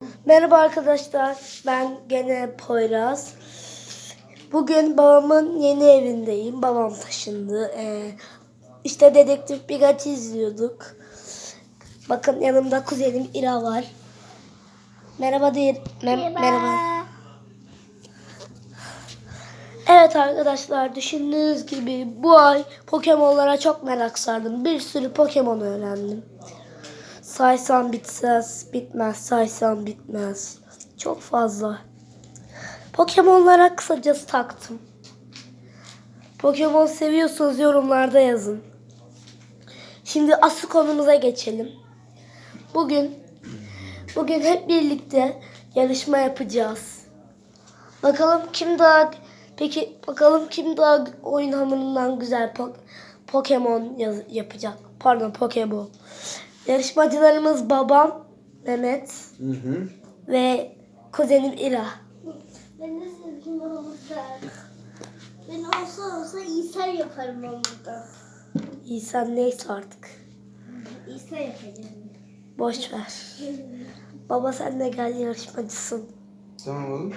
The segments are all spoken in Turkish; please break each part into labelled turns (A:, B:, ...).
A: Merhaba arkadaşlar, ben gene Poyraz. Bugün babamın yeni evindeyim. Babam taşındı. İşte Dedektif Pikachu izliyorduk. Bakın yanımda kuzenim İra var. Merhaba değil. Merhaba. Evet arkadaşlar, düşündüğünüz gibi bu ay Pokemon'lara çok merak sardım. Bir sürü Pokemon öğrendim. Saysam bitmez, saysam bitmez. Çok fazla. Pokemon'lara kısacası taktım. Pokemon seviyorsanız yorumlarda yazın. Şimdi asıl konumuza geçelim. Bugün hep birlikte yarışma yapacağız. Bakalım kim daha oyun hamurundan güzel Pokemon yapacak. Pardon, Pokemon. Yarışmacılarımız babam Mehmet ve kuzenim İra.
B: Ben de sevgim olursa. Ben olsa İsa yaparım ben burada.
A: İsa neyse artık.
B: İsa yapacağım.
A: Boş ver. Baba sen de gel, yarışmacısın.
C: Tamam oğlum.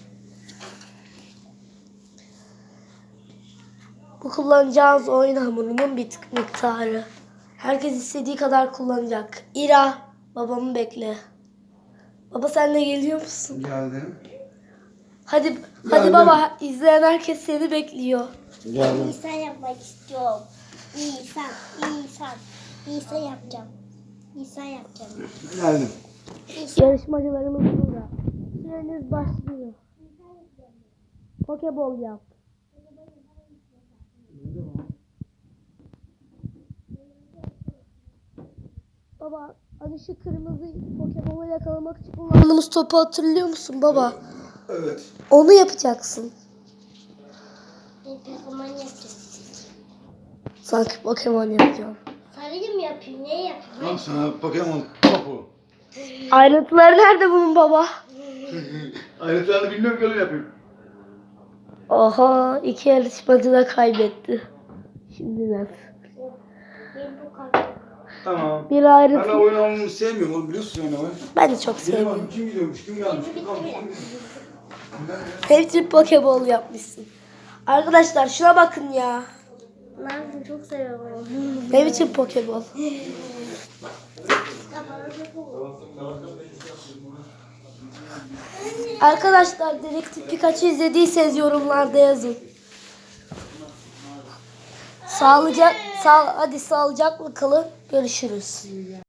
A: Bu kullanacağınız oyun hamurunun bir miktarı. Herkes istediği kadar kullanacak. İra, babamı bekle. Baba sen de geliyor musun?
C: Geldim.
A: Hadi
C: Geldim.
A: baba, izleyen herkes seni bekliyor.
C: Geldim.
B: İsa yapmak istiyorum. İsa yapacağım. İsa yapacağım.
C: Geldim.
A: Yarışmacılarımız burada. Süreniz başlıyor. Pokeball yap. Baba, hani şu kırmızı Pokemon yakalamak için kullandığımız topu hatırlıyor musun baba?
C: Evet.
A: Onu yapacaksın.
B: Pokemon yapacağım.
A: Sanki Pokemon yapacağım.
B: Sarıyı mı yapayım? Ne yapayım?
C: Tamam sana Pokemon topu.
A: Ayrıntıları nerede bunun baba?
C: Ayrıntılarını bilmiyorum ki öyle yapayım.
A: Oha, iki yarışmacı da kaybetti. Şimdi nasıl?
B: Benim bu kadar.
C: Tamam.
A: Bir
C: Ben
A: ayrıntı.
C: de oyun oynamayı sevmiyorum oğlum, biliyorsun yani oyun.
A: Ben de çok
C: Benim
A: seviyorum.
C: adım kim gidiyormuş, kim gelmiş?
A: Hepsi Pokeball yapmışsın. Arkadaşlar şuna bakın ya.
B: Ben çok seviyorum.
A: Ne biçim Pokeball? Arkadaşlar Dedektif Pikachu izlediyseniz yorumlarda yazın. Hadi sağlıcakla kalın. Görüşürüz.